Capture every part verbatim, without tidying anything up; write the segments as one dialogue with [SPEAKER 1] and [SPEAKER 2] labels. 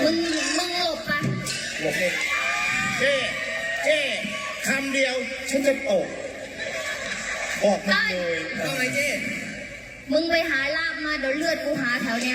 [SPEAKER 1] มึงมึงหลบปะ
[SPEAKER 2] หลบเลยเจ๊เจ๊คำเดียวฉันจะตกออกมาเลยต้องไงเจ๊
[SPEAKER 1] มึงไปหาลาบมาเดี๋ยวเลือดกูหาแถวเนี้ย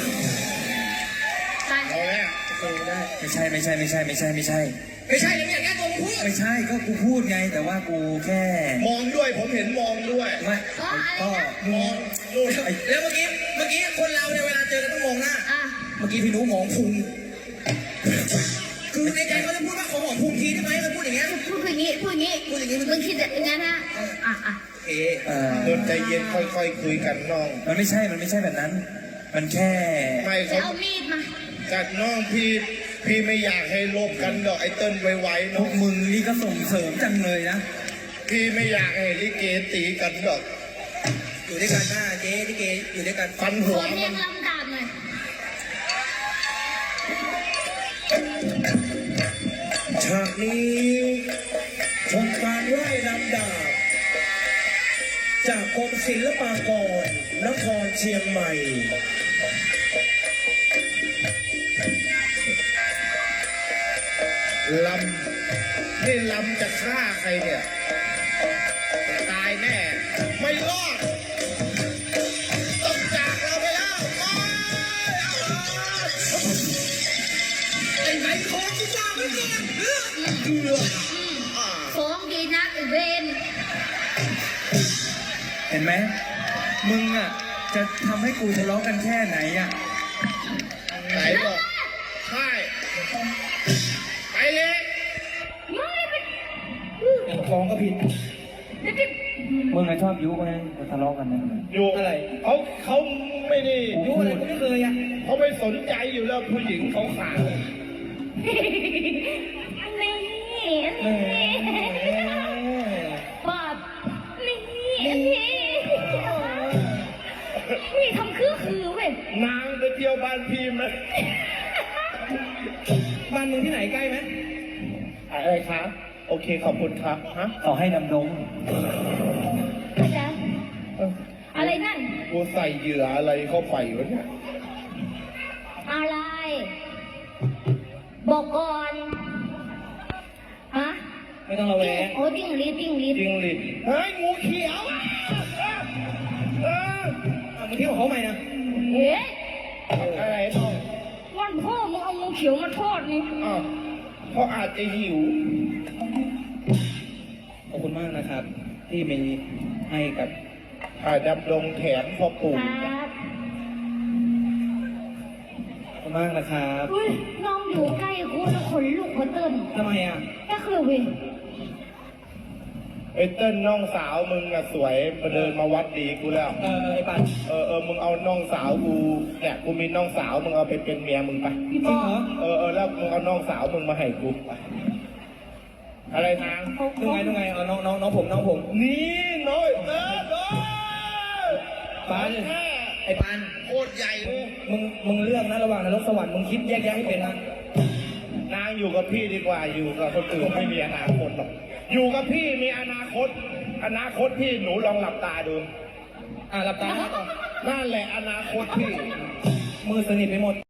[SPEAKER 1] ไป
[SPEAKER 2] เอาแล้ว
[SPEAKER 3] ไม่ใช่ไม่ใช่ไม่ใช่ไม่ใช่ไม่ใช่
[SPEAKER 2] ไม่ใช่ยังอย่างนี้ตัวมึงพูด
[SPEAKER 3] ไม่ใช่ก็กูพูดไงแต่ว่ากูแค่
[SPEAKER 2] มองด้วยผมเห็นมองด้วย
[SPEAKER 3] ไม่ก็
[SPEAKER 2] มองดูแล้วเมื่อกี้เมื่อกี้คนเราเนี่ยเวลาเจอกันต้องมองหน้าเมื่อกี้พี่นุ้มองพุงคือในใจเขาจะพูดว่าขอหอมพุงทีได้ไหมเขาพูดอย่างเงี้ย
[SPEAKER 1] พูดอย่างนี้พูดอย่างนี้
[SPEAKER 2] พูดอย่างนี้
[SPEAKER 1] มึงคิดอย่างนั้นนะอ่ะอ่ะ
[SPEAKER 2] เออเดินใจเย็นค่อยๆคุยกันน้อง
[SPEAKER 3] มันไม่ใช่มันไม่ใช่แบบนั้นมันแค่
[SPEAKER 2] ไม่
[SPEAKER 1] จะเอามีดมา
[SPEAKER 2] จัดน้องพี่พี่ไม่อยากให้ลบกันดอกไอ้เติ้ลไวๆน้อง
[SPEAKER 3] มึงนี่ก็ส่งเสริมจังเลยนะ
[SPEAKER 2] พี่ไม่อยากให้ลิเกตีกันดอกอยู่ด้วยกันหน้าเจ๊ลิเกอยู่ด้วยกันฟันหัว
[SPEAKER 1] มันเรียงลำดาบหน่อย
[SPEAKER 2] ฉากนี้ชมการไล่ลำดาบจากกรมศิลปากรนครเชียงใหม่ลำนี่ลำจะฆ่าใครเนี่ยตายแน่ไม่รอดต้องจากเราไปแล้วไอ้ไหนของที่ว่าไม่ก่อนเลือดเกลือ
[SPEAKER 1] ของดีนักเวน
[SPEAKER 3] เห็นไหมมึงอ่ะจะทำให้กูทะเลาะกันแค่ไหนอ่ะ
[SPEAKER 2] ไหนบอกใช่ไปเลยฟ้องก็ผิด
[SPEAKER 3] มึงไงชอบยุไงทะเลาะกันนั่น
[SPEAKER 2] ยุอะไรเขาเขาไม่ได้
[SPEAKER 3] ยุอะไรก็ไม่เคยอ่ะ
[SPEAKER 2] เขาไม่สนใจอยู่แล้วผู้หญิงเขาขาด
[SPEAKER 1] นี่ปอบนี่นี่ทำคือคือเว้ย
[SPEAKER 2] นางไปเที่ยวบ้านพี่ไหมบ้านมึงที่ไหนใกล้ไหมอะไรคะโอเคขอบคุณครับฮะ
[SPEAKER 3] ขอให้ดำดง
[SPEAKER 1] อะไรนั่น
[SPEAKER 2] กูใส่เหยื่ออะไรเข้าไปวะเนี่ย
[SPEAKER 1] อะไรบอกก่อนฮะ
[SPEAKER 3] ไม่ต้องระแวง
[SPEAKER 1] โอ้จิ้งลีจิ้งลี
[SPEAKER 2] จิ้งลีเฮ้ยงูเขียวเออ
[SPEAKER 3] มึงเที่ยวเขาใหม่นะ
[SPEAKER 1] เฮ้ย
[SPEAKER 2] อะไรน้อง
[SPEAKER 1] วันพ่อมึงเอางูเขียวมาทอดนี่
[SPEAKER 2] อ้าวเพราะอาจจะหิว
[SPEAKER 3] ขอบคุณมากนะครับที่มีให้กับ
[SPEAKER 2] อาดำดงแถมพ่อปู่
[SPEAKER 1] ครับ
[SPEAKER 3] ขอบคุณมากนะครับ
[SPEAKER 1] อุ้ยน้องอยู่ใกล้กูแล้วขนลุกขนเต้น
[SPEAKER 3] ทำไมอ่ะ
[SPEAKER 1] ก็คือเว้ย
[SPEAKER 2] ไอ้เต้นน้องสาวมึงอะสวยมาเดินมาวัดดีกูแล้ว
[SPEAKER 3] เออไอ้ปัน
[SPEAKER 2] เออเออมึงเอาน้องสาวกูเนี่ยกูมีน้องสาวมึงเอาไปเป็นเมียมึงไป
[SPEAKER 3] จริงเหรอ
[SPEAKER 2] เออเออแล้วมึงเอาน้องสาวมึงมาให้กูอะไรทาง
[SPEAKER 3] ดูไงดูไงเอาน้องน้องน้องผมน้องผม
[SPEAKER 2] นี่น้อยเออน้อย
[SPEAKER 3] ปันไอ้ปัน
[SPEAKER 2] โคตรใหญ่เลย
[SPEAKER 3] มึงมึงเลือกนะระหว่างนรกสวรรค์มึงคิดแยกแยะให้เป็นนะ
[SPEAKER 2] นางอยู่กับพี่ดีกว่าอยู่กับคนอื่นไม่มีอนาคตหรอกอยู่กับพี่มีอนาคตอนาคตพี่หนูลองหลับตาดู
[SPEAKER 3] อ่าหลับตา
[SPEAKER 2] นั่นแหละอนาคตพี่
[SPEAKER 3] มือสนิทไปหมด